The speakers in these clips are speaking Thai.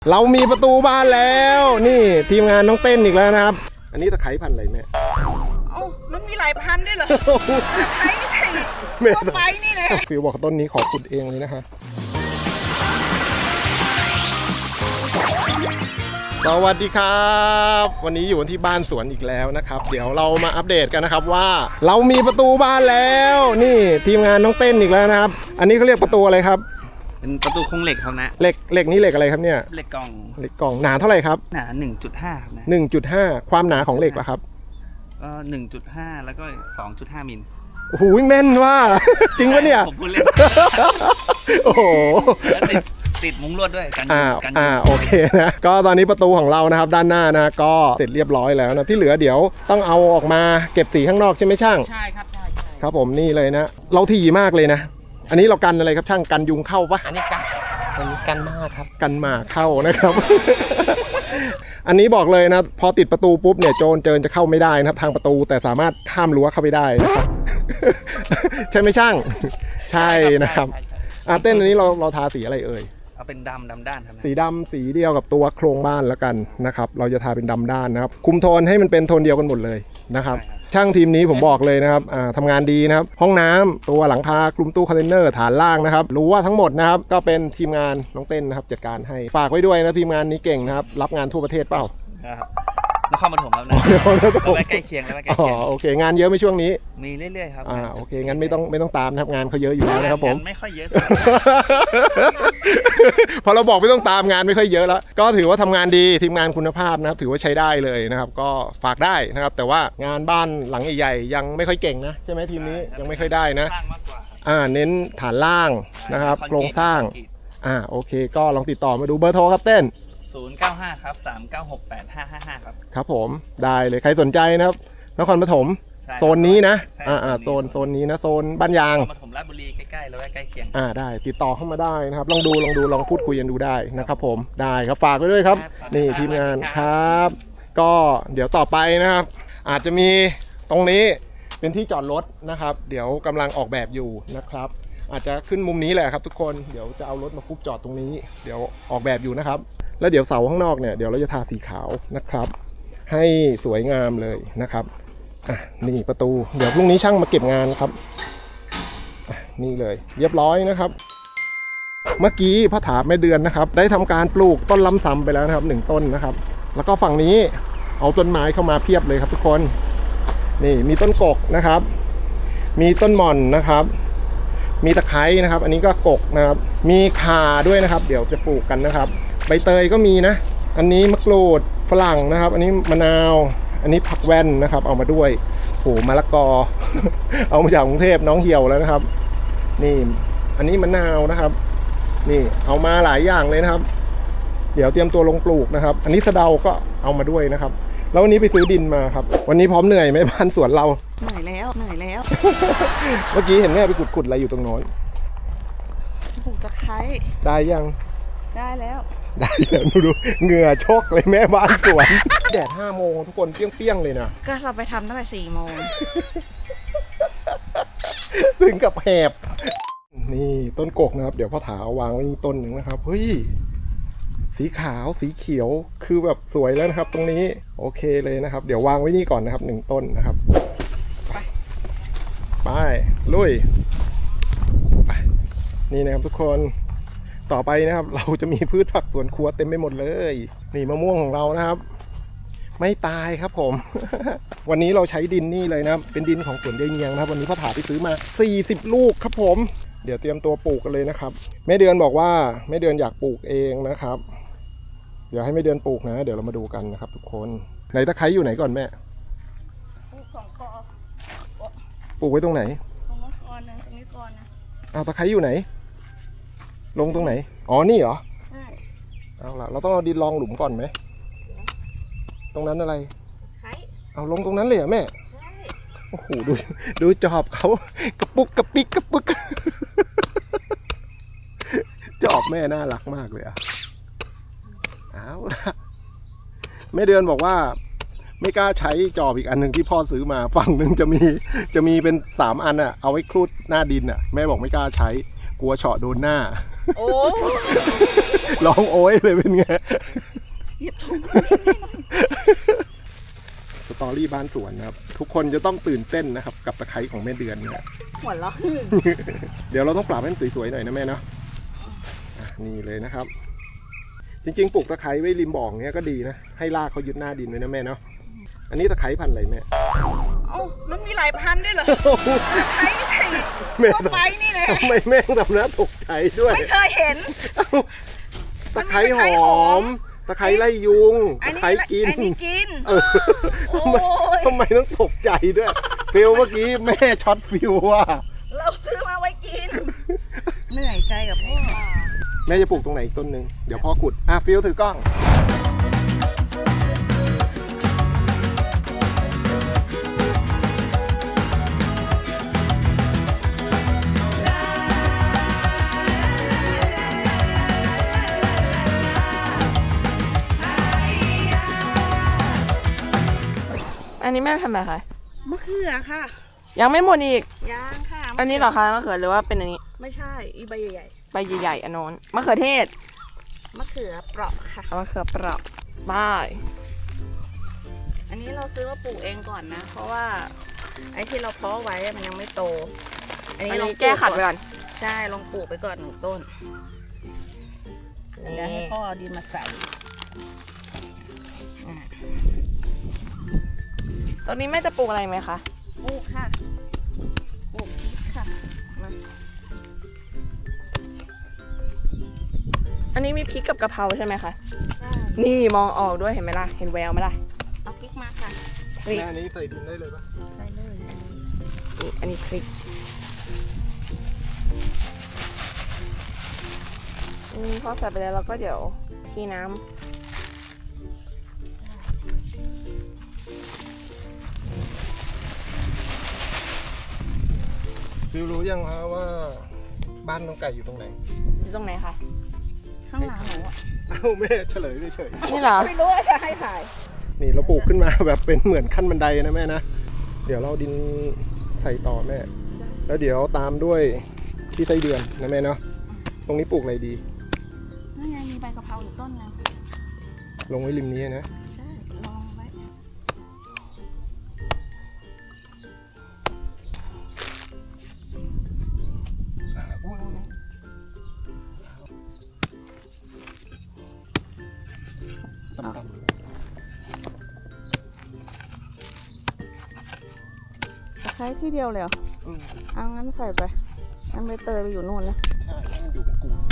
เรามีประตูบ้านแล้วนี่ทีมงานน้องเต้นอีกแล้วนะครับอันนี้ตะไคร้พันธุ์อะไรแม่เอ้ามันมีหลายพันด้วยเหรอไข่ทั่วไปนี่แหละฟิวบอกต้นนี้ขอขุดเองเลยนะคะสวัสดีครับวันนี้อยู่ที่บ้านสวนอีกแล้วนะครับเดี๋ยวเรามาอัปเดตกันนะครับว่าเรามีประตูบ้านแล้วนี่ทีมงานน้องเต้นอีกแล้วนะครับอันนี้เขาเรียกประตูอะไรครับเป็นประตูโครงเหล็กครับนะเหล็กนี้เหล็กอะไรครับเนี่ยเหล็กกล่องหนาเท่าไหร่ครับหนา 1.5 ครับนะ 1.5 ความหนาของเหล็กล่ะครับก็ 1.5 แล้วก็ 2.5 มิลโอ้โหแม่นว่าจริงปะเนี่ยผมพูดเล่นโอ้โหแล้วติดมุ้งลวดด้วยกันโอเคนะก็ตอนนี้ประตูของเรานะครับด้านหน้านะก็เสร็จเรียบร้อยแล้วนะที่เหลือเดี๋ยวต้องเอาออกมาเก็บสีข้างนอกใช่ไหมช่างใช่ครับใช่ครับผมนี่เลยนะเราถี่มากเลยนะอันนี้เรากันอะไรครับช่างกันยุงเข้าปะอันนี้กันมากครับกันหมาเข้านะครับ อันนี้บอกเลยนะพอติดประตูปุ๊บเนี่ยโจรเจิญจะเข้าไม่ได้นะครับทางประตูแต่สามารถข้ามรั้วเข้าไปได้นะครับ ใช่ไหมช่างใช่นะครับเต้นอันนี้เราทาสีอะไรเอ่ยเอาเป็นดำด้านครับสีดำสีเดียวกับตัวโครงบ้านแล้วกันนะครับเราจะทาเป็นดำด้านนะครับคุมโทนให้มันเป็นโทนเดียวกันหมดเลยนะครับช่างทีมนี้ผมบอกเลยนะครับทำงานดีนะครับห้องน้ำตัวหลังคากลุ่มตู้คอนเทนเนอร์ฐานล่างนะครับรู้ว่าทั้งหมดนะครับก็เป็นทีมงานน้องเต้นนะครับจัดการให้ฝากไว้ด้วยนะทีมงานนี้เก่งนะครับรับงานทั่วประเทศเปล่านครปฐมครับนะแล้วใกล้เคียงโอเคงานเยอะไหมช่วงนี้มีเรื่อยๆครับโอเคงั้นไม่ต้องตามนะครับงานเขาเยอะอยู่แล้วนะครับผมไม่ค่อยเยอะพอเราบอกไม่ต้องตามงานไม่ค่อยเยอะแล้วก็ถือว่าทำงานดีทีมงานคุณภาพนะครับถือว่าใช้ได้เลยนะครับก็ฝากได้นะครับแต่ว่างานบ้านหลังใหญ่ๆยังไม่ค่อยเก่งนะใช่ไหมทีมนี้ยังไม่ค่อยได้นะเน้นฐานล่างนะครับโครงสร้างโอเคก็ลองติดต่อมาดูเบอร์โทรครับเต้น 095ครับ3968555ครับผมได้เลยใครสนใจนะครับนครปฐมโซนนี้นะโซนนี้นะโซนบ้านยางปฐมราชบุรีใกล้ๆแล้วใกล้เคียงได้ติดต่อเข้ามาได้นะครับลองพูดคุยกันดูได้นะครับผมได้ครับฝากไว้ด้วยครับนี่ทีมงานครับก็เดี๋ยวต่อไปนะครับอาจจะมีตรงนี้เป็นที่จอดรถนะครับเดี๋ยวกำลังออกแบบอยู่นะครับอาจจะขึ้นมุมนี้แหละครับทุกคนเดี๋ยวจะเอารถมาคุบจอดตรงนี้เดี๋ยวออกแบบอยู่นะครับแล้วเดี๋ยวเสาข้างนอกเนี่ยเดี๋ยวเราจะทาสีขาวนะครับให้สวยงามเลยนะครับนี่ประตูเดี๋ยวพรุ่งนี้ช่างมาเก็บงานครับนี่เลยเรียบร้อยนะครับเมื่อกี้พ่อถาแม่เดือนนะครับได้ทำการปลูกต้นลำซำไปแล้วนะครับ1ต้นนะครับแล้วก็ฝั่งนี้เอาต้นไม้เข้ามาเพียบเลยครับทุกคนนี่มีต้นกกนะครับมีต้นหม่อนนะครับมีตะไคร้นะครับอันนี้ก็กกนะครับมีข่าด้วยนะครับเดี๋ยวจะปลูกกันนะครับใบเตยก็มีนะอันนี้มะกรูดฝรั่งนะครับอันนี้มะนาวอันนี้ผักแว่นนะครับเอามาด้วยโหมะละกอ เอามาจากกรุงเทพน้องเหี่ยวแล้วนะครับนี่อันนี้มะนาวนะครับนี่เอามาหลายอย่างเลยนะครับเดี๋ยวเตรียมตัวลงปลูกนะครับอันนี้สะเดาก็เอามาด้วยนะครับแล้ววันนี้ไปซื้อดินมาครับวันนี้พร้อมเหนื่อยไหมบ้านสวนเราเหนื่อยแล้ว เมื่อกี้เห็นแม่ไปขุดอะไรอยู่ตรงโน้นปลูกตะไคร้ได้ยังได้แล้วดูเหงื่อชกเลยแม่บ้านสวนแดด5 โมงทุกคนเปรี้ยงเลยนะก็เราไปทำตั้งแต่4 โมงถึงกับแหบนี่ต้นกกนะครับเดี๋ยวพ่อถาวางไว้นี่ต้นหนึ่งนะครับเฮ้ยสีขาวสีเขียวคือแบบสวยแล้วนะครับตรงนี้โอเคเลยนะครับเดี๋ยววางไว้นี่ก่อนนะครับ1ต้นนะครับไปลุยไปนี่นะครับทุกคนต่อไปนะครับเราจะมีพืชผักสวนครัวเต็มไปหมดเลยนี่มะม่วงของเรานะครับไม่ตายครับผม วันนี้เราใช้ดินนี่เลยนะเป็นดินของสวนยายเงียงนะครับวันนี้พ่อถาไปซื้อมา40 ลูกครับผมเดี๋ยวเตรียมตัวปลูกกันเลยนะครับแม่เดือนบอกว่าแม่เดือนอยากปลูกเองนะครับเดี๋ยวให้แม่เดือนปลูกนะเดี๋ยวเรามาดูกันนะครับทุกคนไหนตะไคร้อยู่ไหนก่อนแม่ปลูก2 กอปลูกไว้ตรงไหนตรงนี้ก่อนนะตรงนี้ก่อนนะตะไคร้อยู่ไหนลงตรงไหนอ๋อนี่เหรอใช่เอาล่ะเราต้องเอาดินรองหลุมก่อนไหมตรงนั้นอะไรไคร้เอาลงตรงนั้นเลยเหรอแม่ใช่โอ้โหดูจอบเขากระปุกกระปิกกระปุกจอบแม่น่ารักมากเลยเอาล่ะแม่เดือนบอกว่าไม่กล้าใช้จอบอีกอันหนึ่งที่พ่อซื้อมาฝั่งหนึ่งจะมีเป็น3 อันเอาไว้คลุดหน้าดินแม่บอกไม่กล้าใช้กลัวเฉาะโดนหน้าโอ้ร้องโอ้ยเลยเป็นไงเหยียบถุงสตอรี่บ้านสวนนะครับทุกคนจะต้องตื่นเต้นนะครับกับตะไคร้ของแม่เดือนเนี่ยหัวเราะเดี๋ยวเราต้องปรับให้มันสวยๆหน่อยนะแม่เนาะนี่เลยนะครับ จริงๆปลูกตะไคร้ไว้ริมบ่อเนี้ยก็ดีนะให้รากเขายึดหน้าดินไว้นะแม่เนาะอันนี้ตะไคร้พันธุ์อะไรแม่เอ้ามันมีหลายพันธุ์ด้วยเหรอใช้ทั่วไปนี่แหละทำไมแม่งทำหน้าตกใจด้วยไม่เคยเห็นตะไคร้หอมตะไคร้ไล่ยุงตะไคร้กินอันนี้กิน โอ้ทำไมต้องตกใจด้วยฟิลเมื่อกี้แม่ช็อตฟิลว่าเราซื้อมาไว้กิน เหนื่อยใจกับพ่อแม่จะปลูกตรงไหนอีกต้นหนึ่งเดี๋ยวพ่อขุดฟิลถือกล้องอันนี้แม่ทำอะไรคะมะเขือค่ะยังไม่หมดอีกยางค่ะอันนี้เหรอคะมะเขือหรือว่าเป็นอันนี้ไม่ใช่อีใบใหญ่ใบใหญ่ๆอันโน้นมะเขือเทศๆมะเขือเปราะค่ะเอามะเขือเปราะบ้ายอันนี้เราซื้อมาปลูกเองก่อนนะ เพราะว่าไอ้ที่เราเพาะไว้มันยังไม่โตอันลองนี้แก้ขัดไปก่อนใช่ลองปลูกไปก่อน1 ต้นเดี๋ยวให้พ่อเอาดินมาใส่อ่ะตรงนี้แม่จะปลูกอะไรไหมคะปลูกค่ะปลูกพริกค่ะมาอันนี้มีพริกกับกะเพราใช่ไหมคะใช่นี่มองออกด้วยเห็นไหมล่ะ เห็นแววไหมล่ะเอาพริกมาค่ะพริกแม่อันนี้ใส่ดินได้เลยปะใส่เลยนี่อันนี้พริกพอใส่ไปแล้วเราก็เดี๋ยวทีน้ำฟิลรู้ยังฮะว่าบ้านน้องไก่อยู่ตรงไหนอยู่ตรงไหนคะข้างหลังหนูอะเอ้าแม่เฉลยเฉยนี่เหรอไม่รู้ว่าจะให้ถ่ายๆนี่เราปลูกขึ้นมาแบบเป็นเหมือนขั้นบันไดนะแม่นะ เดี๋ยวเราดินใส่ต่อแม่ แล้วเดี๋ยวตามด้วยขี้ไส้เดือนนะแม่เนาะ ตรงนี้ปลูกอะไรดีนี่ไงมีใบกะเพราอยู่ต้นนึงลงไว้ริมนี้นะใช่ลองไว้ต่ำใช้ที่เดียวเลยเหรอๆอืมเอางั้นใส่ไปงั้นใบเตยไปอยู่นู่นนะใช่ให้มันอยู่เป็นกลุ่ม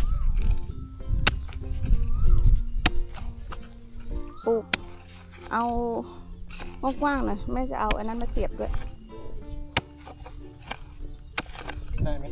ปลูก เอากว้างๆหน่อยแม่จะเอาอันนั้นมาเสียบด้วยได้ไหม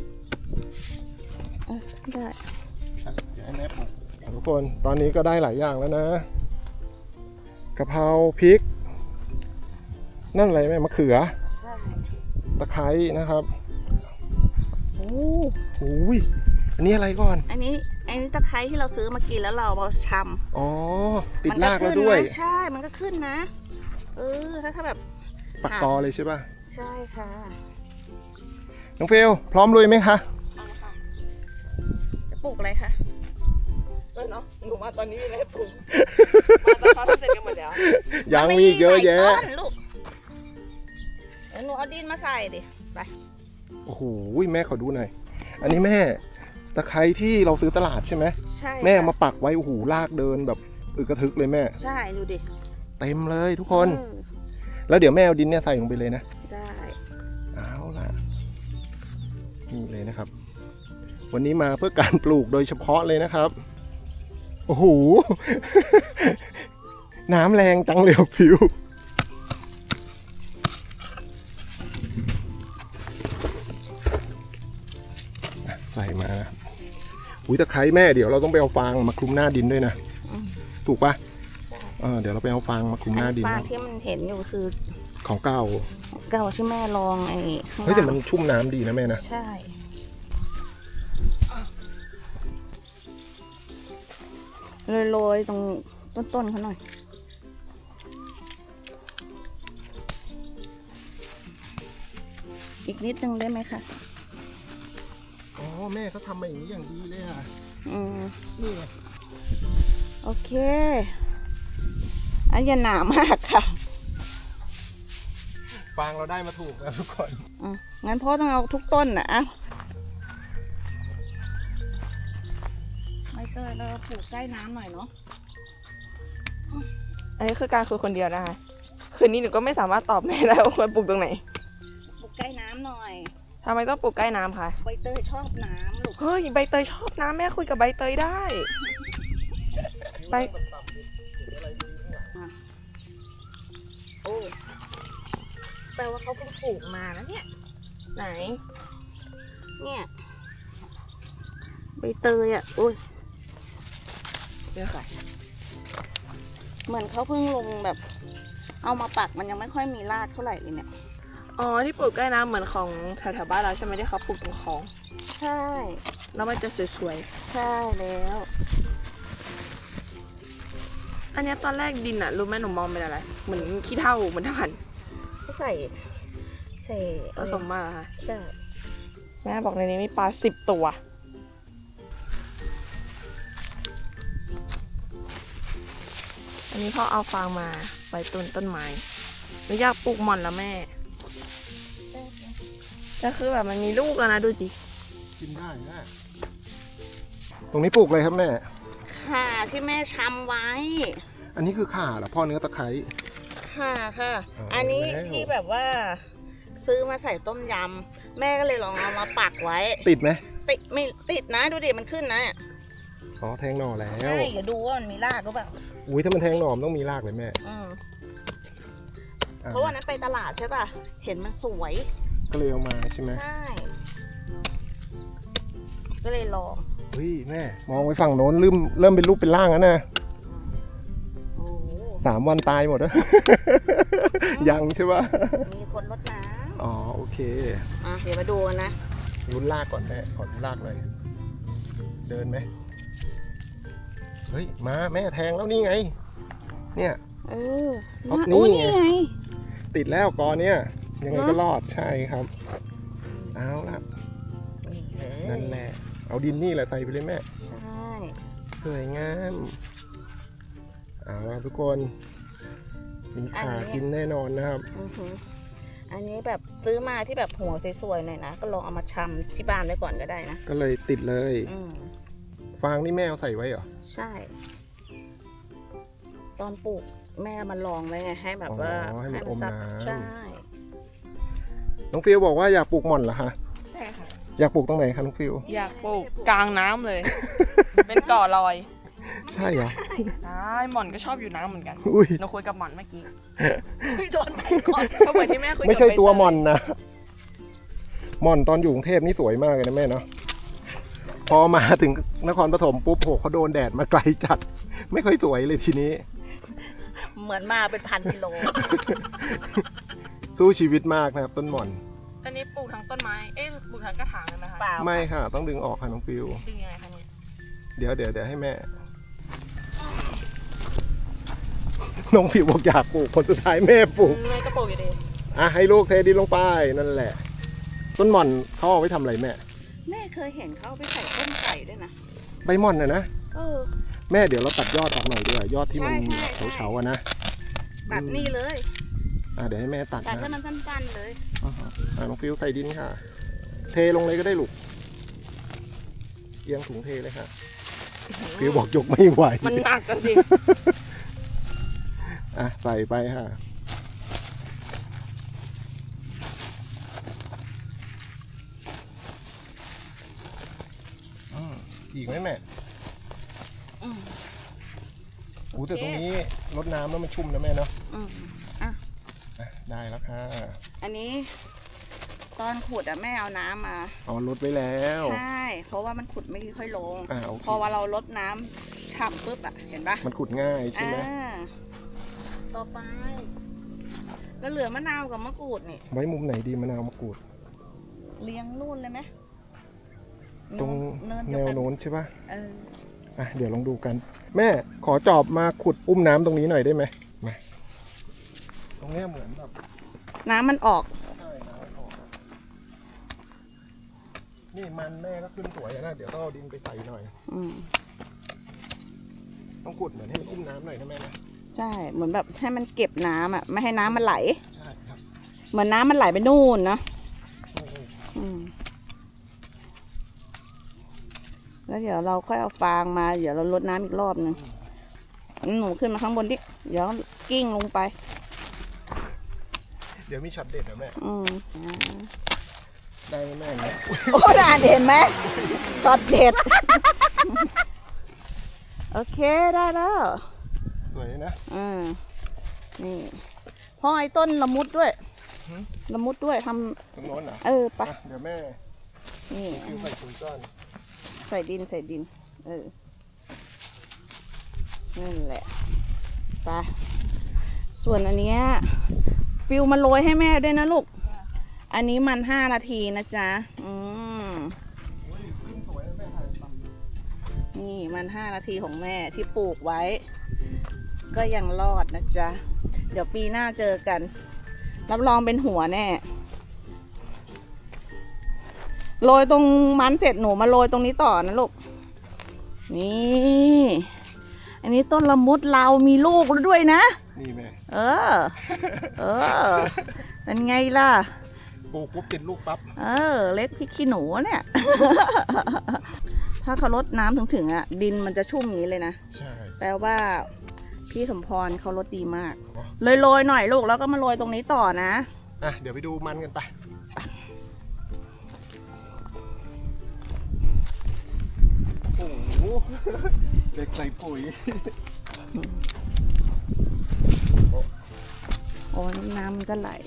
ได้อ่ะเดี๋ยวให้แม่ปลูกทุกคน ตอนนี้ก็ได้หลายอย่างแล้วนะ กะเพราพริก นั่นอะไรแม่มะเขือใช่ตะไคร้นะครับโอ้โอ้ยอันนี้อะไรก่อนอันนี้ตะไคร้ที่เราซื้อมากินแล้วเราเอามาชำอ๋อ ติดมันรากแล้วด้วยขึ้นนะใช่มันก็ขึ้นนะ ถ้าแบบปักตอเลยใช่ป่ะใช่ค่ะน้องเฟลพร้อมลุยไหมคะจะปลูกอะไรคะเนาะหนูมาตอนนี้เลยปลูกมาตอนเขาทำเสร็จกันหมดแล้วยังมีอีกเยอะแยะหลายต้นลูกเดี๋ยวหนูเอาดินมาใส่ดิไปโอ้โหแม่ขอดูหน่อย อันนี้แม่ตะไคร้ที่เราซื้อตลาดใช่ไหมใช่แม่เอาค่ะมาปักไว้โอ้โหลากเดินแบบอึกกระทึกเลยแม่ใช่ดูดิเต็มเลยทุกคนเออแล้วเดี๋ยวแม่เอาดินเนี่ยใส่ลงไปเลยนะได้เอาล่ะนี่เลยนะครับ วันนี้มาเพื่อการปลูกโดยเฉพาะเลยนะครับ โอ้โห น้ำแรงจังเร็วผิวใส่มาอุ้ยตะไคร้แม่เดี๋ยวเราต้องไปเอาฟางมาคลุมหน้าดินด้วยนะ ถูกปะเดี๋ยวเราไปเอาฟางมาคลุมหน้าดินฟางที่มันเห็นอยู่คือของเก่าเก่าที่แม่ลองไอ้ข้างเฮ้ยแต่ล่างมันชุ่มน้ำดีนะแม่นะใช่โรยๆตรงต้นๆเขาหน่อย อีกนิดนึงได้ไหมคะอ๋อแม่เขาทำมาอย่างนี้อย่างดีเลยอ่ะนี่ไงโอเคอันอย่าหนามากค่ะฟางเราได้มาถูกนะทุกคนงั้นพ่อต้องเอาทุกต้นนะอ่ะไม่เตยเราปลูกใกล้น้ำหน่อยเนาะอันนี้คือการคุยคนเดียวนะคะคืนนี้หนูก็ไม่สามารถตอบแม่ได้ว่าควรปลูกตรงไหนปลูกใกล้น้ำหน่อยทำไมต้องปลูกใกล้น้ำคะใบเตยชอบน้ำลูกเฮ้ยใบเตยชอบน้ำแม่คุยกับใบเตยได้ใบโอ้แต่ว่าเขาเพิ่งปลูกมานะเนี่ยไหนเนี่ยใบเตยอ่ะโอ้ยเดี๋ยวค่ะเหมือนเขาเพิ่งลงแบบ เอามาปักมันยังไม่ค่อยมีรากเท่าไหร่เลยเนี่ยอ๋อที่ปลูกใกล้น้ำเหมือนของแถวๆบ้านเราใช่ไหมที่เขาปลูกตรงคลองใช่แล้วมันจะสวยใช่แล้วๆอันเนี้ยตอนแรกดินอะรู้ไหมหนูมองเป็นอะไรเหมือนขี้เถ้าเหมือนถ่านก็ใส่ผสมมาเหรอค่ะใช่แม่บอกในนี้มีปลา10 ตัวอันนี้พ่อเอาฟางมาไว้ต้นไม้หนูอยากปลูกหม่อนแล้วแม่ก็คือแบบมันมีลูกแล้วนะดูสิกินได้นะตรงนี้ปลูกเลยครับแม่ค่ะที่แม่ชำไว้อันนี้คือข่าเหรอพ่อเนื้อตะไคร้ค่ะค่ะอ๋ออัอันนี้แล้วที่แบบว่า ซื้อมาใส่ต้มยำแม่ก็เลยลองเอามาปักไว้ติดไหมติดไม่ติดนะดูดิมันขึ้นนะเนี่ยอ๋อแทงหน่อแล้วใช่เดี๋ยวดูว่ามันมีรากหรือเปล่าอุ้ยถ้ามันแทงหน่อมนต้องมีรากเลยแม่อืมอ่ะเพราะวันนั้นไปตลาดใช่ป่ะเห็นมันสวยก็เลยเอามาใช่ไหมใช่ ก็เลยลองเฮ้ยแม่มองไปฝั่งโน้นเริ่มเป็นรูปเป็นร่างแล้วนะโอ้โห 3 วันตายหมดแล้ว ยังใช่ปะมีคนรดน้อ๋อโอเคำอ่ะเดี๋ยวมาดูกันนะลุ้นรากก่อนแม่ขอลุ้นรากเลยเดินไหมเฮ้ยมาแม่แทงแล้วนี่ไง เนี่ยเออเอามานี่อุ้ยไงนี่ไงติดแล้วกอเนี่ยยังไงก็เหรอรอดใช่ครับ เอาละนี่เลยนั่นแหละ เอาดินนี่แหละใส่ไปเลยแม่ใช่สวยงามเอาละทุกคนมีขากินแน่นอนนะครับอือหืออันนี้แบบซื้อมาที่แบบหัวสวยๆหน่อยนะก็ลองเอามาชำที่บ้านไว้ก่อนก็ได้นะก็เลยติดเลยอืมฟางนี่แม่เอาใส่ไว้เหรอใช่ ตอนปลูกแม่มันลองไว้ไงให้แบบว่าอ๋อให้มันอมซับน้ำใช่น้องฟิวบอกว่าอยากปลูกหม่อนเหรอคะใช่ค่ะอยากปลูกตรงไหนคะน้องฟิวอยากปลูกกลางน้ำเลย เป็นก่อลอยใช่เหรอได้หม่อนก็ชอบอยู่น้ำเหมือนกันอุ้ยหนูคุยกับหม่อนเมื่อกี้โดนไหนก่อนก็เหมือนที่แม่คุยกับไม่ใช่ตัวใบเยหม่อนนะหม่อนตอนอยู่กรุงเทพนี่สวยมากเลยนะแม่เนาะพอมาถึงนครปฐมปุ๊บโหเขาโดนแดดมาไกลจัด ไม่ค่อยสวยเลยทีนี้เหมือนมาเป็น1,000 กิโลสู้ชีวิตมากนะครับต้นหม่อนอันนี้ปลูกทั้งต้นไม้ เอ๊ะปลูกทั้งกระถางเลยไหมคะเปล่าไม่ค่ะ ต้องดึงออกค่ะน้องฟิวดึงยังไงคะเนี่ยเดี๋ยวให้แม่ น้องฟิวบอกอยากปลูกผลสุดท้ายแม่ปลูกแม่ก็ปลูกอยู่ดีอ่ะให้ลูกเทดินลงไปนั่นแหละ ต้นหม่อนเขาเอาไว้ทำอะไรแม่แม่เคยเห็นเขาเอาไปใส่ต้มไก่ด้วยนะใบหม่อนนะเออแม่เดี๋ยวเราตัดยอดออกหน่อยดีกว่ายอดที่มันใช่ใช่เฉาๆอะนะแบบนี้เลยเดี๋ยวให้แม่ตัดแต่ถ้านะมันสั้นๆเลยน้องฟิวใส่ดินค่ะ เทลงเลยก็ได้ลูกเอียงถุงเทเลยค่ะฟิวบอกยกไม่ไหวมันหนักกันสิใส่ไปค่ะอีกไหมแม่อืมอู้แต่ตรงนี้รดน้ำแล้วมันชุ่มนะแม่เนาะอืมได้แล้วค่ะอันนี้ ตอนขุดอะแม่เอาน้ำมาเอาลดไว้แล้วใช่ เพราะว่ามันขุดไม่ค่อยลงโอเคพอว่าเราลดน้ำฉ่ำปุ๊บอะเห็นปะมันขุดง่ายใช่ไหมต่อไป แล้วเหลือมะนาวกับมะกรูดนี่ไว้มุมไหนดีมะนาวมะกรูดเลี้ยงนู่นเลยไหมตรงเนินแนเดียววกันโน้นใช่ปะเออเดี๋ยวลองดูกัน แม่ขอจอบมาขุดอุ้มน้ำตรงนี้หน่อยได้ไหมมาตรงเนี้ยเหมือนแบบน้ำมันออกใช่น้ำออกนี่มันแม่ก็ขึ้นสวยนะเดี๋ยวต้องเอาดินไปใส่หน่อยอืมต้องขุดเหมือนให้มันอุ้มน้ำหน่อยนะแม่นะใช่เหมือนแบบให้มันเก็บน้ำอ่ะไม่ให้น้ำมันไหลใช่ครับเหมือนน้ำมันไหลไปนู่นนะอืมแล้วเดี๋ยวเราค่อยเอาฟางมาเดี๋ยวเราลดน้ำอีกรอบนึงหนูขึ้นมาข้างบนดิเดี๋ยวกิ้งลงไปเดี๋ยวมีช็อตเด็ดนะแม่อืมได้ไหมแม่เนี่ยโอ้ด่านเห็นไหมช็อตเด็ด โอเคได้แล้วสวยนะนี่พ่อไอ้ต้นละมุดด้วยละมุดด้วยทตรงโน้นเหรอำไปเดี๋ยวแม่นี่ฟิวใส่ปุ๋ยก้อนใส่ดินนั่นแหละไปส่วนอันเนี้ยฟิวมาโรยให้แม่ด้วยนะลูกอันนี้มัน5 นาทีนะจ๊ะนี่มัน5 นาทีของแม่ที่ปลูกไว้ ก็ยังรอดนะจ๊ะเดี๋ยวปีหน้าเจอกันรับรองเป็นหัวแน่โรยตรงมันเสร็จหนูมาโรยตรงนี้ต่อนะลูกนี่อันนี้ต้นละมุดเรามีลูกแล้วด้วยนะนี่แม่เออเป็นไงล่ะปลูกปุ๊บติดลูกปั๊บเล็กพริกขี้หนูเนี่ย ถ้าเขารดน้ำถึงอ่ะดินมันจะชุ่มอย่างนี้เลยนะใช่แปลว่าพี่สมพรเขารดดีมากเลยโรยหน่อยลูกแล้วก็มาโรยตรงนี้ต่อนะเดี๋ยวไปดูมันกันไปโอ้โหเด็กใส่ปุ๋ยโอ้น้ำมันก็ไหล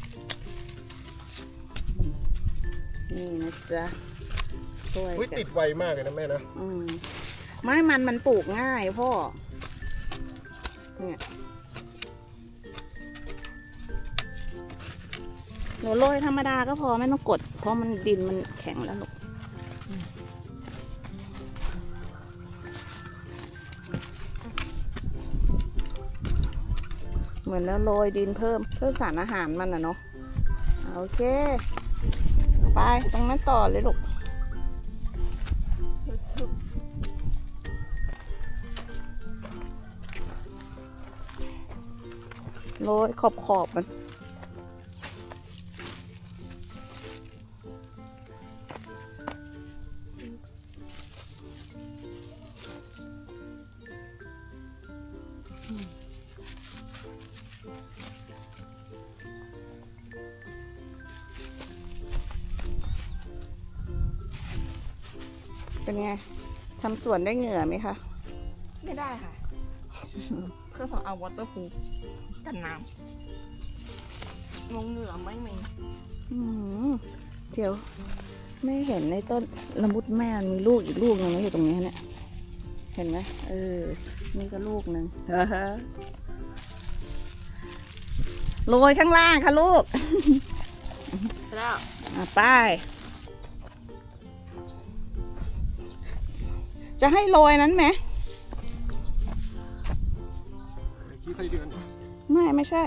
นี่นะจ๊ะช่วยอุ๊ยกันติดไวมากเลยนะแม่นะไม่มันปลูกง่ายพ่อเนี่ยหนูโรยธรรมดาก็พอไม่ต้องกดเพราะมันดินมันแข็งแล้วลูกเหมือนแล้วโรยดินเพิ่มสารอาหารมันนะเนาะโอเคไปตรงนั้นต่อเลยลูกโรยขอบมันเป็นไงทำสวนได้เหงื่อไหมคะไม่ได้ค่ะ เครื่องสำอางวอเตอร์พูฟกันน้ำลงเหงื่อไม่มีเดี๋ยวไม่เห็นในต้นละมุดแม่มีลูกอีกลูกนึงอยู่ตรงนี้เนี่ยเห็นไหมนี่ก็ลูกนึงโรยข้างล่างค่ะลูกแล้วไปจะให้โรยนั้นไหมขี้ไส้เดือนไม่ใช่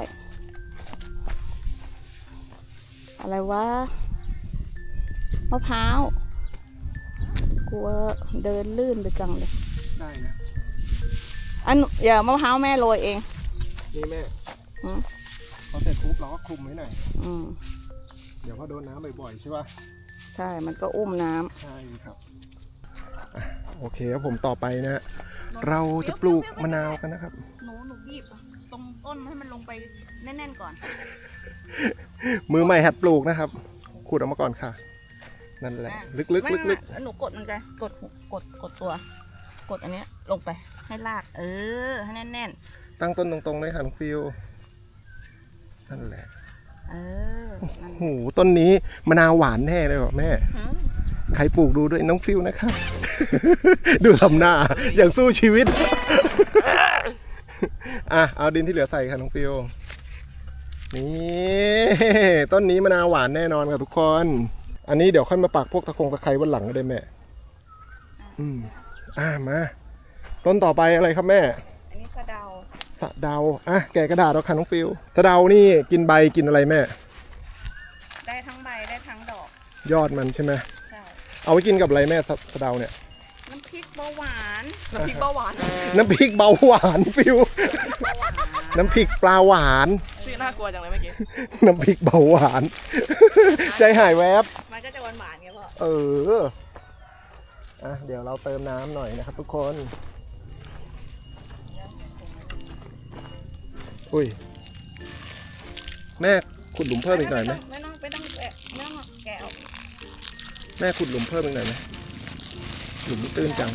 อะไรวะมะพร้าวกลัวเดินลื่นไปจังเลยได้นะเดี๋ยวมะพร้าวแม่โรยเองนี่แม่อืมพอเสร็จปุ๊บเราก็คลุมไว้หน่อย เดี๋ยวพอโดนน้ำบ่อยๆใช่ป่ะใช่มันก็อุ้มน้ำใช่ครับโอเคครับผมต่อไปนะ เราจะปลูกมะนาวกันนะครับหนูบีบตรงต้นให้มันลงไปแน่นๆก่อนมือใหม่หัดปลูกนะครับขูดออกมาก่อนค่ะ นั่นแหละ ลึกไม่ๆหนูกดมันไงกดตัว กดอันเนี้ยลงไปให้ลากให้แน่นตั้งต้นตรงๆเลยค่ะน้องฟิวนั่นแหละนั่นโอ้โหต้นนี้มะนาวหวานแน่เลยเหรอแม่หืมใครปลูกดูด้วยน้องฟิวนะครับ ดูทำหน้าอย่างสู้ชีวิต เอาดินที่เหลือใส่ค่ะน้องฟิวนี่ต้นนี้มะนาวหวานแน่นอนครับทุกคน อันนี้เดี๋ยวค่อยมาปักพวกตะไคร้วันหลังก็ได้แม่มาต้นต่อไปอะไรครับแม่อันนี้สะเดาสะเดาแกะกระดาษเอาค่ะน้องฟิวสะเดานี่กินใบกินอะไรแม่ได้ทั้งใบได้ทั้งดอกยอดมันใช่ไหมใช่เอาไว้กินกับอะไรแม่สะเดาเนี่ยน้ำพริกเบาหวานน้ำพริกเบาหวานน้ำพริกเบาหวานฟิว น้ำพริกปลาหวานชื่อน่ากลัวจังเลยเมื่อกี้น้ำพริกเบาหวาน ใจหายแวบมันก็จะหวานๆไงพ่อเอออ่ะเดี๋ยวเราเติมน้ำหน่อยนะครับทุกคน อุ้ย แม่ขุดหลุมเพิ่มอีกหน่อยไหมไม่ต้องแกะไม่ต้องแกะออกแม่ขุดหลุมเพิ่มอีกหน่อยไหมหลุมตื้นจัง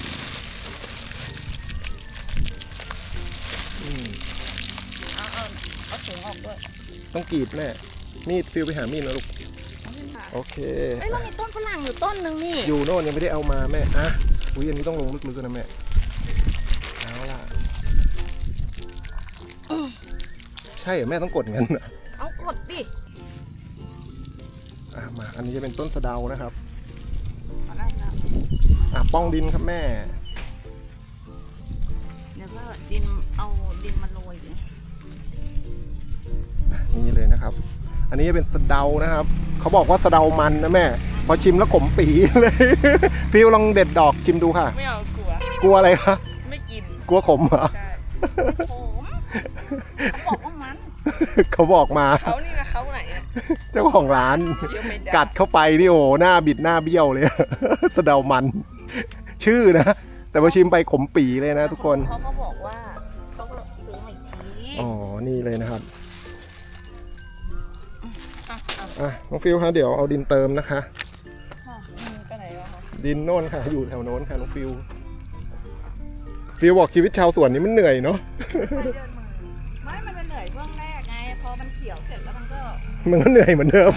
อืมเอาถุงออกด้วยต้องกรีดแม่ มีดฟิวไปหามีดนะลูก โอเคเอ้ยเรามีต้นฝรั่งอยู่ต้นหนึ่งนี่อยู่โน่นยังไม่ได้เอามาแม่อ่ะอุ้ยอันนี้ต้องลงลึกๆนะแม่ เอาล่ะ ใช่เหรอแม่ต้องกดงั้นเหรอเอากดดิอ่ะมา อันนี้จะเป็นต้นสะเดานะครับเอาได้แล้วอ่ะป้องดินครับแม่เดี๋ยวก็ดินเอาดินมาโรยดินี่เลยนะครับ อันนี้จะเป็นสะเดานะครับ เขาบอกว่าสะเดามันนะแม่ พอชิมแล้วขมปีเลย ฟิวลองเด็ดดอกชิมดูค่ะไม่เอากลัวกลัวอะไรคะไม่กินกลัวขมเหรอใช่โขมเขาบอกว่ามันเขาบอกมาเขานี่นะเขาไหนเนี่ยเจ้าของร้านเชื่อไม่ได้กัดเข้าไปนี่โอ้โหหน้าบิดหน้าเบี้ยวเลย สะเดามัน ชื่อนะ แต่พอชิมไปขมปีเลยนะทุกคนเขาก็บอกว่าเขาก็ซื้อมาอีกทีอ๋อ นี่เลยนะครับอ่ะอ่ะอ่ะน้องฟิวคะเดี๋ยวเอาดินเติมนะคะไปไหนวะคะดินโน่นค่ะ อยู่แถวโน้นค่ะน้องฟิว ฟิวบอกชีวิตชาวสวนนี้มันเหนื่อยเนาะไม่มันจะเหนื่อยช่วงแรกไง พอมันเขียวเสร็จแล้วมันก็มันก็เหนื่อยเหมือนเดิม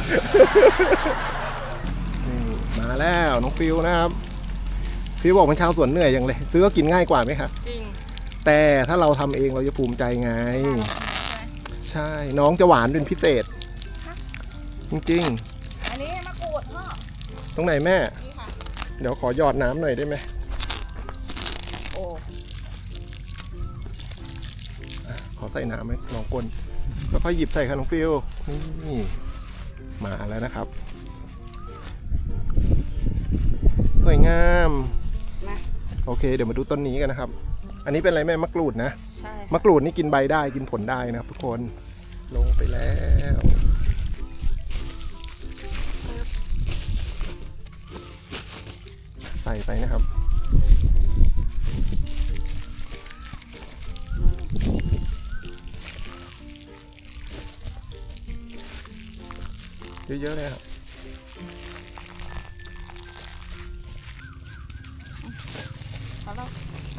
นี่มาแล้วน้องฟิวนะครับ ฟิวบอกเป็นชาวสวนเหนื่อยอย่างเลย ซื้อก็กินง่ายกว่าไหมคะจริงแต่ถ้าเราทำเองเราจะภูมิใจไง ใช่ น้องจะหวานเป็นพิเศษ จริงอันนี้มะกรูดพ่อๆ ตรงไหนแม่นี่ค่ะเดี๋ยวขอหยอดน้ำหน่อยได้ไหมโอ้ขอใส่น้ำไหมลองกลแล้วค่อยหยิบใส่ค่ะน้องฟิวนี่มาแล้วนะครับ สวยงามมาโอเค เดี๋ยวมาดูต้นนี้กันนะครับ อันนี้เป็นอะไรแม่มะกรูดนะใช่มะกรูดนี่กินใบได้กินผลได้นะครับทุกคนลงไปแล้ว ใส่ไปนะครับ เยอะๆเลยครับเอาแล้ว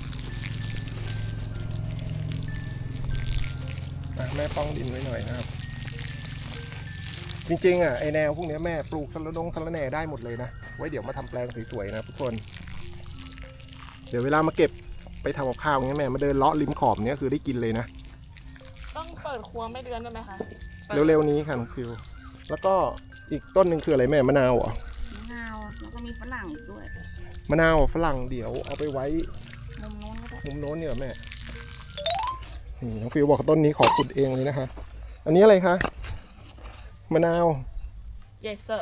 แม่ป้องดินไว้หน่อยนะครับ จริงๆไอแนวพวกนี้แม่ปลูกสะระแหน่ได้หมดเลยนะ ไว้เดี๋ยวมาทำแปลงสวยๆนะทุกคน เดี๋ยวเวลามาเก็บไปทำกับข้าวเงี้ยแม่มาเดินเลาะริมขอบเนี้ยคือได้กินเลยนะต้องเปิดครัวไม่เดือนได้ไหมคะเร็วๆนี้ค่ะน้องฟิว แล้วก็อีกต้นหนึ่งคืออะไรแม่มะนาวเหรอมะนาวแล้วก็มีฝรั่งอีกด้วยมะนาวฝรั่งเดี๋ยวเอาไปไว้มุมโน้นก็ได้มุมโน้นเนี่ยเหรอแม่นี่น้องฟิวบอกต้นนี้ขอขุดเองเลยนะคะ อันนี้อะไรคะมะนาว yes sir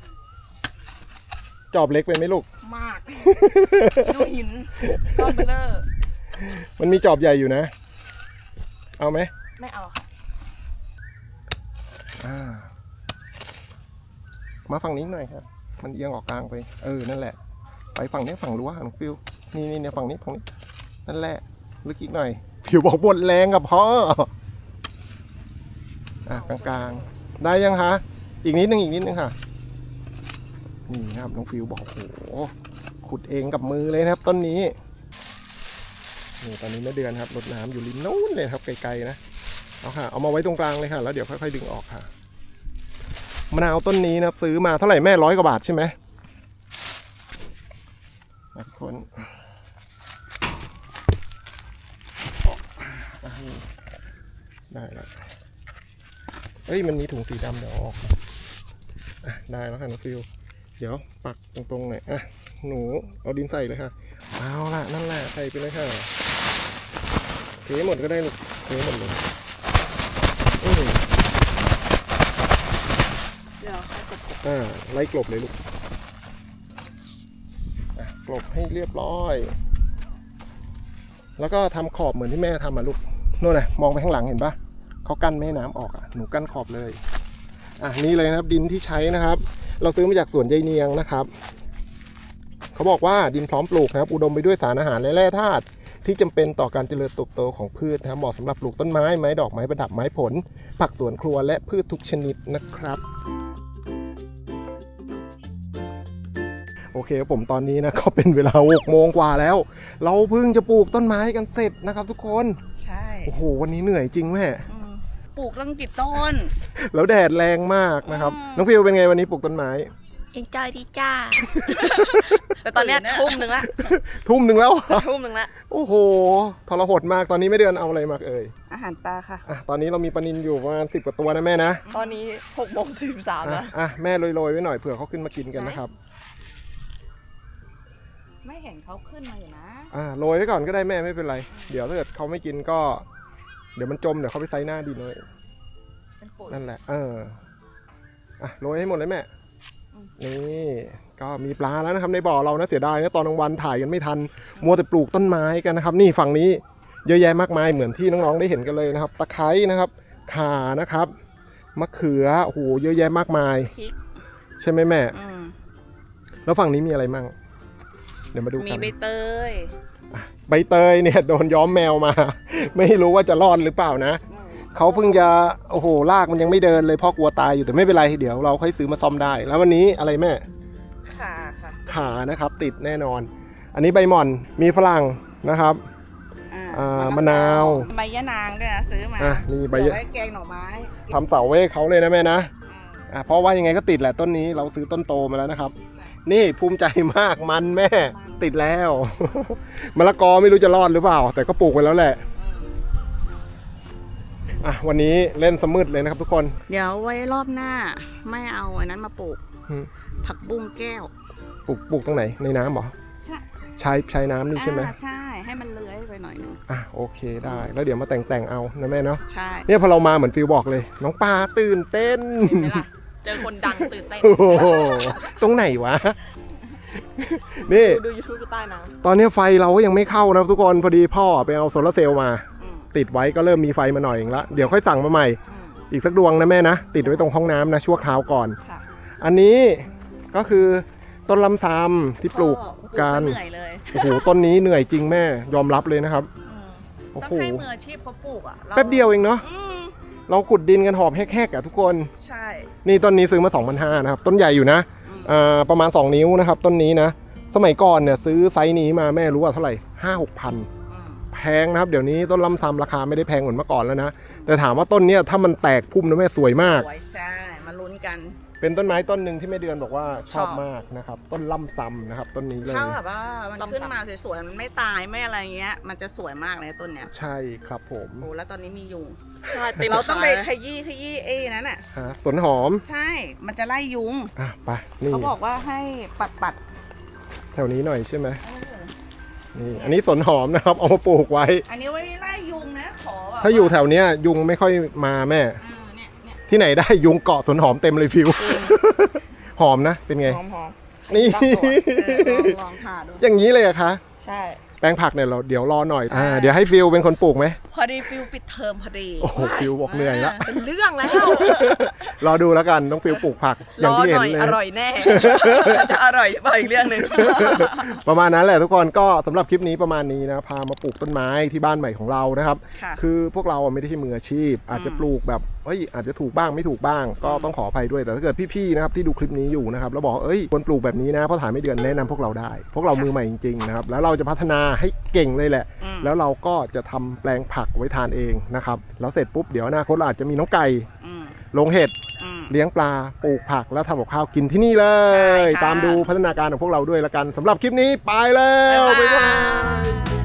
จอบเล็กไปไหมลูกมาก ดูหินก้อนเบลเลอร์มันมีจอบใหญ่อยู่นะ เอาไหมไม่เอาค่ะมาฝั่งนี้หน่อยครับ มันเอียงออกกลางไป นั่นแหละ ไปฝั่งนี้ฝั่งรั้วน้องฟิว นี่เนี่ยฝั่งนี้ นั่นแหละ ลึกอีกหน่อยผิวบอกบนแรงกับพ่อกลางๆ ได้ยังคะ อีกนิดนึงค่ะ นี่ครับน้องฟิวบอกโอ้โห ขุดเองกับมือเลยนะครับ ต้นนี้ นี่ตอนนี้แม่เดือนครับรดน้ำอยู่ริมนู้นเลยครับไกลๆนะ เอาค่ะ เอามาไว้ตรงกลางเลยค่ะ แล้วเดี๋ยวค่อยๆดึงออกค่ะ มะนาวต้นนี้นะครับซื้อมาเท่าไหร่แม่100 กว่าบาทใช่ไหมทุกคนได้แล้วเอ้ยมันมีถุงสีดำเดี๋ยวเอาออกได้แล้วค่ะน้องฟิว เดี๋ยวปักตรงๆหน่อยหนูเอาดินใส่เลยค่ะ เอาล่ะนั่นแหละใส่ไปเลยค่ะเทหมดก็ได้ลูกเทหมดเลยเดี๋ยวให้กดไล่กลบเลยลูกกลบให้เรียบร้อย แล้วก็ทำขอบเหมือนที่แม่ทำลูกนู่นน่ะมองไปข้างหลังเห็นปะเขากั้นไม่ให้น้ำออกหนูกั้นขอบเลยนี่เลยนะครับดินที่ใช้นะครับ เราซื้อมาจากสวนยายเนียงนะครับเขาบอกว่าดินพร้อมปลูกนะครับอุดมไปด้วยสารอาหารและแร่ธาตุที่จำเป็นต่อการเจริญเติบโตของพืชนะครับเหมาะสำหรับปลูกต้นไม้ไม้ดอกไม้ประดับไม้ผลผักสวนครัวและพืชทุกชนิดนะครับโอเคผมตอนนี้นะก็เป็นเวลา6 โมงกว่าแล้วเราเพิ่งจะปลูกต้นไม้กันเสร็จนะครับทุกคนใช่โอ้โหวันนี้เหนื่อยจริงแม่ปลูกตั้งกี่ต้นแล้วแดดแรงมากนะครับน้องฟิวเป็นไงวันนี้ปลูกต้นไม้เอ็นจอยดีจ้าแต่ตอนนี้ทุ่มหนึ่งละจะทุ่มหนึ่งละโอ้โหทรหดมากตอนนี้ไม่เดือนเอาอะไรมาอาหารปลาค่ะตอนนี้เรามีปลานิลอยู่ประมาณ10 กว่าตัวนะแม่นะตอนนี้6:43แล้วแม่โรยๆไว้หน่อยเผื่อเขาขึ้นมากินกันนะครับไม่เห็นเขาขึ้นมาอยู่นะโรยไว้ก่อนก็ได้แม่ไม่เป็นไรเดี๋ยวถ้าเกิดเขาไม่กินก็เดี๋ยวมันจมเดี๋ยวเขาไปไซหน้าดินเลยนั่นแหละโรยให้หมดเลยแม่นี่ก็มีปลาแล้วนะครับในบ่อเรานะเสียดายนะตอนกลางวันถ่ายกันไม่ทันมัวแต่ปลูกต้นไม้กันนะครับนี่ฝั่งนี้เยอะแยะมากมายเหมือนที่น้องๆได้เห็นกันเลยนะครับตะไคร้นะครับข่านะครับมะเขือโอ้โหเยอะแยะมากมายใช่ไหมแม่แล้วฝั่งนี้มีอะไรมั่งเดี๋ยวมาดูกันมีใบเตยเนี่ยโดนย้อมแมวมาไม่รู้ว่าจะรอดหรือเปล่านะเขาเพิ่งจะโอ้โหลากมันยังไม่เดินเลยพ่อกลัวตายอยู่แต่ไม่เป็นไรเดี๋ยวเราค่อยซื้อมาซ่อมได้แล้ววันนี้อะไรแม่ขานะครับติดแน่นอนอันนี้ใบหม่อนมีฝรั่งนะครับมะนาวใบยะนางด้วยนะซื้อมานี่ใบยะแกงหน่อไม้ทำเสาเว้เขาเลยนะแม่นะเพราะว่ายังไงก็ติดแหละต้นนี้เราซื้อต้นโตมาแล้วนะครับนี่ภูมิใจมากมันแม่ติดแล้วมะละกอไม่รู้จะรอดหรือเปล่าแต่ก็ปลูกไปแล้วแหละวันนี้เล่นสมืดเลยนะครับทุกคนเดี๋ยวไว้รอบหน้าไม่เอาอันนั้นมาปลูกผักบุ้งแก้วปลูกตรงไหนในน้ำเหรอใช้น้ำนี่ใช่ไหมใช่ให้มันเลื้อยไปหน่อยนึงโอเคได้แล้วเดี๋ยวมาแต่งเอานะแม่เนาะใช่เนี่ยพอเรามาเหมือนฟิวบอกเลยน้องปลาตื่นเต้นเห็นไหมล่ะเจอคนดังตื่นเต้นตรงไหนวะนี่ดู YouTube ใต้น้ำตอนนี้ไฟเราก็ยังไม่เข้านะทุกคนพอดีพ่อไปเอาโซลาร์เซลล์มาติดไว้ก็เริ่มมีไฟมาหน่อยเองละเดี๋ยวค่อยสั่งมาใหม่อีกสักดวงนะแม่นะติดไว้ตรงห้องน้ำนะชั่วคราวก่อนอันนี้ก็คือต้นลำซำที่ปลูกกันโอ้โหต้นนี้เหนื่อยจริงแม่ยอมรับเลยนะครับต้องให้มืออาชีพเขาปลูกแป๊บเดียวเองเนาะเราขุดดินกันหอบแหกๆทุกคนใช่นี่ต้นนี้ซื้อมา 2,500 นะครับต้นใหญ่อยู่นะประมาณ2 นิ้วนะครับต้นนี้นะสมัยก่อนเนี่ยซื้อไซส์นี้มาแม่รู้ว่าเท่าไหร่ 5-6 พันแพงนะครับเดี๋ยวนี้ต้นลำซำราคาไม่ได้แพงเหมือนเมื่อก่อนแล้วนะแต่ถามว่าต้นเนี้ยถ้ามันแตกพุ่มนะแม่สวยมากสวยใช่มาลุ้นกันเป็นต้นไม้ต้นหนึ่งที่แม่เดือนบอกว่าชอบมากนะครับต้นลำซำนะครับต้นนี้เลยถ้าแบบว่ามันขึ้นมาสวยๆมันไม่ตายไม่อะไรเงี้ยมันจะสวยมากเลยต้นเนี้ยใช่ครับผมโอ้แล้วตอนนี้มียุงใช่เราต้องไปขยี้นั่นน่ะสวนหอมใช่มันจะไล่ยุงไปนี่เขาบอกว่าให้ปัดแถวนี้หน่อยใช่ไหมนี่อันนี้สนหอมนะครับเอามาปลูกไว้อันนี้ไว้ไล่ยุงนะขอถ้าอยู่แถวเนี้ยยุงไม่ค่อยมาแม่ที่ไหนได้ยุงเกาะสนหอมเต็มเลยฟิวหอมนะเป็นไงหอมนี่ลองทาดูอย่างนี้เลยอะคะใช่แปลงผักเนี่ยเราเดี๋ยวรอหน่อยเดี๋ยวให้ฟิวเป็นคนปลูกไหมพอดีฟิวปิดเทอมพอดีโอ้โหฟิวบอกเหนื่อยละเป็นเรื่องแล้วรอดูแล้วกันน้องฟิวปลูกผักอย่างที่เห็นเลยอร่อยแน่จะอร่อยไปอีกเรื่องนึงประมาณนั้นแหละทุกคนก็สำหรับคลิปนี้ประมาณนี้นะพามาปลูกต้นไม้ที่บ้านใหม่ของเรานะครับคือพวกเราไม่ได้ใช่มืออาชีพอาจจะปลูกแบบอาจจะถูกบ้างไม่ถูกบ้างก็ต้องขออภัยด้วยแต่ถ้าเกิดพี่ๆนะครับที่ดูคลิปนี้อยู่นะครับแล้วบอกควรปลูกแบบนี้นะเพราะถ่ายไม่เดือนแนะนำพวกเราได้พวกเรามือใหม่จริงๆนะครับแล้วเราจะพัฒนาให้เก่งเลยแหละแล้วเราก็จะทำแปลงผักไว้ทานเองนะครับแล้วเสร็จปุ๊บเดี๋ยวอนาคตเราอาจจะมีน้องไก่ลงเห็ดเลี้ยงปลาปลูกผักแล้วทำกับข้าวกินที่นี่เลยตามดูพัฒนาการของพวกเราด้วยละกันสำหรับคลิปนี้ไปแล้วบ๊ายบาย